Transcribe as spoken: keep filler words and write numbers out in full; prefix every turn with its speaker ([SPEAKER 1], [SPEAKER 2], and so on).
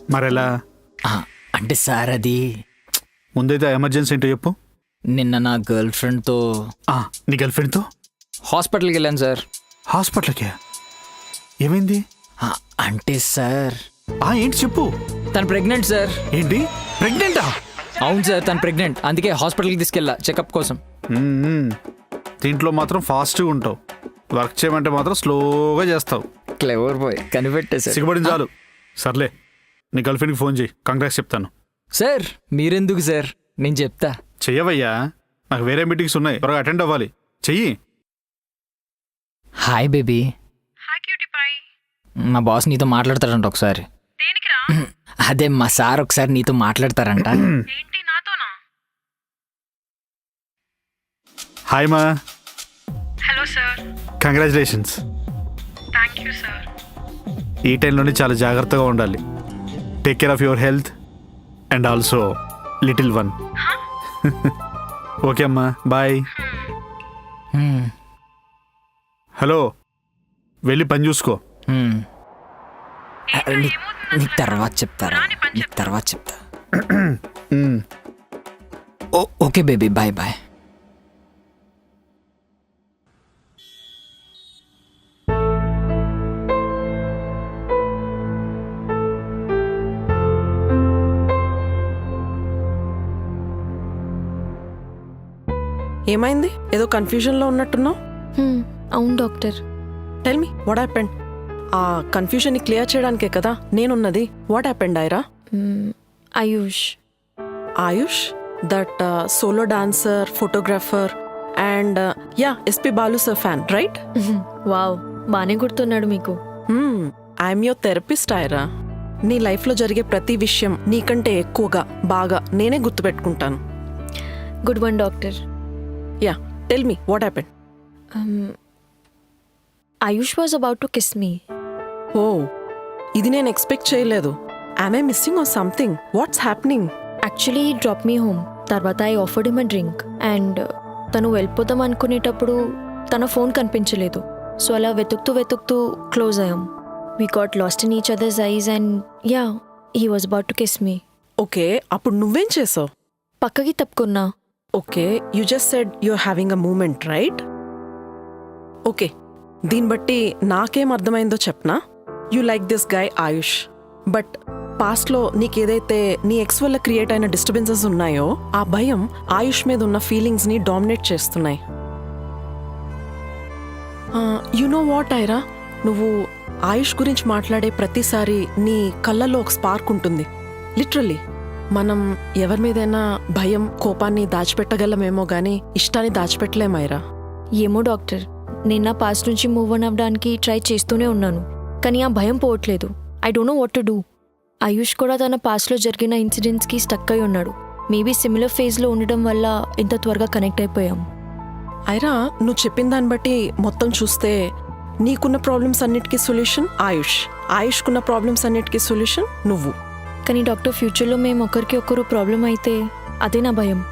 [SPEAKER 1] మరెలా?
[SPEAKER 2] ఆ, అంటే సార్ అది
[SPEAKER 1] ముందైతే ఎమర్జెన్సీ ఏంటో చెప్పు.
[SPEAKER 2] నిన్న నా గర్ల్ ఫ్రెండ్తో
[SPEAKER 1] ఆ, నీ గర్ల్ ఫ్రెండ్తో
[SPEAKER 2] హాస్పిటల్కి వెళ్ళాను సార్.
[SPEAKER 1] హాస్పిటల్కే? ఏమైంది?
[SPEAKER 2] ఆ, అంటే సార్
[SPEAKER 1] ఆ ఏంటి చెప్పు.
[SPEAKER 2] తను ప్రెగ్నెంట్ సార్.
[SPEAKER 1] ఏంటి, ప్రెగ్నెంటా?
[SPEAKER 2] అవును సార్, తను ప్రెగ్నెంట్. అందుకే హాస్పిటల్కి తీసుకెళ్ళా చెకప్ కోసం.
[SPEAKER 1] మ్మ్. దీంట్లో మాత్రం ఫాస్ట్గా ఉంటావు, వర్క్ చేయమంటే మాత్రం స్లోగా చేస్తావు.
[SPEAKER 2] క్లెవర్ బాయ్, కనిపెట్టే సార్.
[SPEAKER 1] సిగ్గుపడింది చాలు. సర్లే, నీ గర్ల్ ఫ్రెండ్కి ఫోన్ చేయి, కంగ్రాట్స్ చెప్తాను.
[SPEAKER 2] సార్ మీరెందుకు సార్, నేను చెప్తా.
[SPEAKER 1] చెయ్యవయ్యా, నాకు వేరే మీటింగ్స్ ఉన్నాయి, త్వరగా అటెండ్ అవ్వాలి. చెయ్యి.
[SPEAKER 2] Hi baby.
[SPEAKER 3] Hi cutie pie.
[SPEAKER 2] మా బాస్ నీతో మాట్లాడతాడంట ఒకసారి.
[SPEAKER 3] దేనికిరా?
[SPEAKER 2] అదే మా సార్ ఒకసారి నీతో మాట్లాడతారంట.
[SPEAKER 3] ఏంటి నాతోనా?
[SPEAKER 1] హాయ్ మా.
[SPEAKER 3] Hello sir.
[SPEAKER 1] Congratulations.
[SPEAKER 3] Thank you sir.
[SPEAKER 1] ఈ టైంలోనే చాలా జాగ్రత్తగా ఉండాలి. Take care of your health and also little one. Okay అమ్మా, బాయ్.
[SPEAKER 2] హ్మ్,
[SPEAKER 1] హలో, వెళ్ళి పని చూసుకో.
[SPEAKER 2] హ్మ్.
[SPEAKER 3] ఏంట్రా,
[SPEAKER 2] నీ-
[SPEAKER 3] ఏమవుతుంది
[SPEAKER 2] నీకు
[SPEAKER 3] అసలు?
[SPEAKER 2] తర్వాత చెప్తారా,
[SPEAKER 3] రాని పని
[SPEAKER 2] నీకు
[SPEAKER 3] చెప్తా.
[SPEAKER 2] తర్వాత చెప్తా.
[SPEAKER 1] మ్మ్.
[SPEAKER 2] Oh okay baby, bye bye.
[SPEAKER 4] ఏమైంది? ఏదో కన్ఫ్యూజన్లో ఉన్నట్టున్నావు.
[SPEAKER 5] హ్మ్, అవును doctor.
[SPEAKER 4] Tell me what happened. ఆ కన్ఫ్యూజన్ని క్లియర్ చేయడానికే కదా నేనున్నది. What happened Ira?
[SPEAKER 5] Hmm, Ayush.
[SPEAKER 4] Ayush, that solo dancer, photographer and yeah S P Balu sir fan, right?
[SPEAKER 5] Wow, బాగానే గుర్తున్నాడు మీకు.
[SPEAKER 4] I'm your therapist Ira. నీ లైఫ్లో జరిగే ప్రతి విషయం నీకంటే ఎక్కువగా బాగా నేనే గుర్తుపెట్టుకుంటాను.
[SPEAKER 5] Good one doctor.
[SPEAKER 4] Yeah, tell me what happened.
[SPEAKER 5] Ayush was about to kiss me.
[SPEAKER 4] Oh, ఇది నేను ఎక్స్పెక్ట్ చేయలేదు. I'm I missing or something? What's happening?
[SPEAKER 5] Actually drop me home. తర్వాత I offered him a drink and తను వెళ్ళిపోతాం అనుకునేటప్పుడు తన phone కనిపించలేదు. So అలా వెతుకుతూ వెతుకుతూ క్లోజ్ అయ్యాం. We got lost in each others eyes and yeah, he was about to kiss me.
[SPEAKER 4] Okay, అప్పుడు నువ్వేం చేసావు?
[SPEAKER 5] పక్కకి తప్పుకున్నా.
[SPEAKER 4] Okay, you just said you're having a moment, right? Okay, దీన్ని బట్టి నాకేం అర్థమైందో చెప్పనా? You like this guy Ayush, but పాస్ట్లో నీకేదైతే నీ ఎక్స్ వల్ల క్రియేట్ అయిన డిస్టర్బెన్సెస్ ఉన్నాయో ఆ భయం ఆయుష్ మీద ఉన్న ఫీలింగ్స్ని డామినేట్ చేస్తున్నాయి. యు నో వాట్ ఐరా, నువ్వు ఆయుష్ గురించి మాట్లాడే ప్రతిసారి నీ కళ్ళల్లో ఒక స్పార్క్ ఉంటుంది. లిటరల్లీ మనం ఎవరి మీదైనా భయం, కోపాన్ని దాచిపెట్టగలమేమో గానీ ఇష్టాన్ని దాచిపెట్టలేమైరా.
[SPEAKER 5] ఏమో డాక్టర్, నేను నా పాస్ట్ నుంచి మూవ్ ఆన్ అవ్వడానికి ట్రై చేస్తూనే ఉన్నాను, కానీ ఆ భయం పోవట్లేదు. I don't know what to do. Ayush కూడా తన పాస్ట్లో జరిగిన ఇన్సిడెంట్స్కి స్టక్ అయి ఉన్నాడు. మేబీ సిమిలర్ ఫేజ్లో ఉండడం వల్ల ఇంత త్వరగా కనెక్ట్ అయిపోయాం.
[SPEAKER 4] ఐరా, నువ్వు చెప్పిన దాన్ని బట్టి మొత్తం చూస్తే నీకున్న ప్రాబ్లమ్స్ అన్నిటికీ సొల్యూషన్ ఆయుష్, ఆయుష్కున్న ప్రాబ్లమ్స్ అన్నిటికీ సొల్యూషన్ నువ్వు.
[SPEAKER 5] కానీ డాక్టర్, ఫ్యూచర్లో మేము ఒకరికి ఒకరు ప్రాబ్లం అయితే అదే నా భయం.